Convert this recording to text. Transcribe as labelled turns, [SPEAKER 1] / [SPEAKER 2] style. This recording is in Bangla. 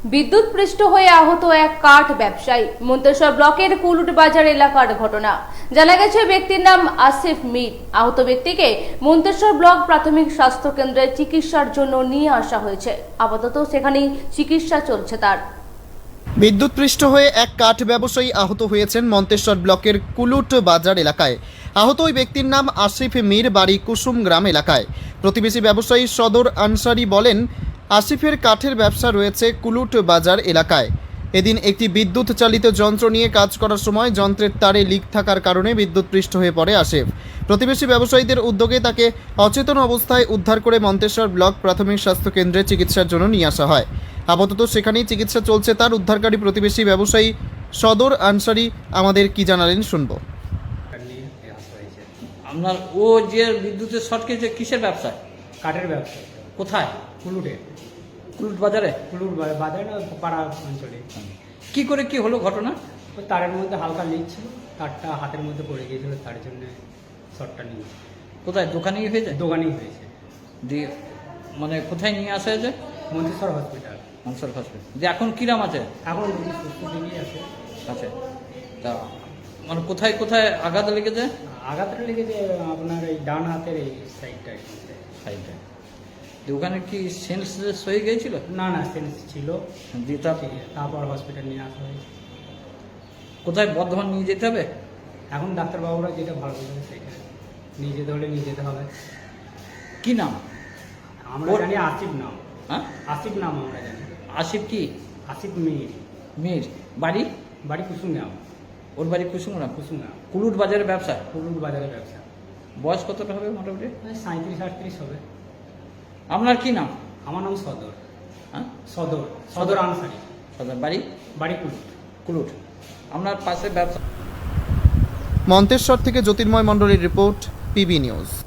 [SPEAKER 1] বিদ্যুৎপৃষ্ট হয়ে আহত এক কাঠ ব্যবসায়ী। মন্তেশ্বর ব্লকের কুলুট বাজার এলাকার ঘটনা। জানা গেছে ব্যক্তির নাম আসিফ মীর। আহত ব্যক্তিকে মন্তেশ্বর ব্লক প্রাথমিক স্বাস্থ্য কেন্দ্রে চিকিৎসার জন্য নিয়ে আসা হয়েছে। আপাতত সেখানেই চিকিৎসা চলছে তার।
[SPEAKER 2] বিদ্যুৎপৃষ্ট হয়ে এক কাঠ ব্যবসায়ী আহত হয়েছেন মন্তেশ্বর ব্লকের কুলুট বাজার এলাকায়। আহত ওই ব্যক্তির নাম আসিফ মীর, বাড়ি কুসুম গ্রাম এলাকায়। প্রতিবেশী ব্যবসায়ী সদর আনসারি বলেন, আসিফের কাঠের ব্যবসা রয়েছে কুলুট বাজার এলাকায়। এদিন একটি বিদ্যুৎ চালিত যন্ত্র নিয়ে কাজ করার সময় যন্ত্রের তারে লিক থাকার কারণে বিদ্যুৎপৃষ্ট হয়ে পড়ে আসিফ। প্রতিবেশী ব্যবসায়ীদের উদ্যোগে তাকে অচেতন অবস্থায় উদ্ধার করে মন্তেশ্বর ব্লক প্রাথমিক স্বাস্থ্য কেন্দ্রে চিকিৎসার জন্য নিয়ে আসা হয়। আপাতত সেখানেই চিকিৎসা চলছে তার। উদ্ধারকারী প্রতিবেশী ব্যবসায়ী সদর আনসারি আমাদের কি জানালেন শুনবো।
[SPEAKER 3] আপনার ও যে বিদ্যুতের শর্ট খেয়েছে কিসের ব্যবসা?
[SPEAKER 4] কাঠের ব্যবসা।
[SPEAKER 3] কোথায়?
[SPEAKER 4] কুলুটে।
[SPEAKER 3] কুলুট বাজারে?
[SPEAKER 4] কুলুট বাজারে না, পাড়া অঞ্চলে।
[SPEAKER 3] কি করে কি হলো ঘটনা?
[SPEAKER 4] ওই তারের মধ্যে হালকা লিক ছিল, তারটা হাতের মধ্যে পড়ে গিয়েছিল, তার জন্য শর্টটা নিয়েছে।
[SPEAKER 3] কোথায়? দোকানেই হয়েছে?
[SPEAKER 4] দোকানেই হয়েছে।
[SPEAKER 3] দিয়ে মানে কোথায় নিয়ে আসা হয়েছে?
[SPEAKER 4] মন্তেশ্বর হসপিটাল।
[SPEAKER 3] মন্তেশ্বর হসপিটাল। যে এখন কিরাম আছে?
[SPEAKER 4] এখন রুগী সুস্থ দিকেই আছে।
[SPEAKER 3] আছে। তা মানে কোথায় কোথায় আঘাত লেগেছে?
[SPEAKER 4] আঘাতটা লেগেছে আপনার এই ডান হাতের এই সাইডটা।
[SPEAKER 3] সাইডে। ওখানে কি সেন্সলেস হয়ে গিয়েছিল?
[SPEAKER 4] না না, সেন্স ছিল।
[SPEAKER 3] দিয়ে
[SPEAKER 4] তারপর হসপিটাল নিয়ে আসা হয়েছে।
[SPEAKER 3] কোথায় বর্ধমান নিয়ে যেতে হবে?
[SPEAKER 4] এখন ডাক্তারবাবুরা যেটা ভালো বলবে সেটা নিয়ে যেতে হলে নিয়ে যেতে হবে।
[SPEAKER 3] কি নাম?
[SPEAKER 4] আমরা জানি আসিফ নাম।
[SPEAKER 3] হ্যাঁ,
[SPEAKER 4] আসিফ নাম আমরা জানি।
[SPEAKER 3] আসিফ কি?
[SPEAKER 4] আসিফ মীর।
[SPEAKER 3] মীর। বাড়ি?
[SPEAKER 4] বাড়ি কুসুম গ্রাম।
[SPEAKER 3] ওর বাড়ি কুসুমরা?
[SPEAKER 4] কুসুম গ্রাম।
[SPEAKER 3] কুলুট বাজারের ব্যবসা।
[SPEAKER 4] কুলুট বাজারের ব্যবসা।
[SPEAKER 3] বয়স কতটা হবে মোটামুটি?
[SPEAKER 4] 37-38 হবে।
[SPEAKER 3] আপনার কি নাম?
[SPEAKER 4] আমার নাম সদর।
[SPEAKER 3] হ্যাঁ,
[SPEAKER 4] সদর আনসারি।
[SPEAKER 3] সদর। বাড়ি?
[SPEAKER 4] বাড়ি কুলুট।
[SPEAKER 3] কুলুট। আপনার পাশে ব্যবসা।
[SPEAKER 2] মন্তেশ্বর থেকে জ্যোতির্ময় মণ্ডলের রিপোর্ট, পিবি নিউজ।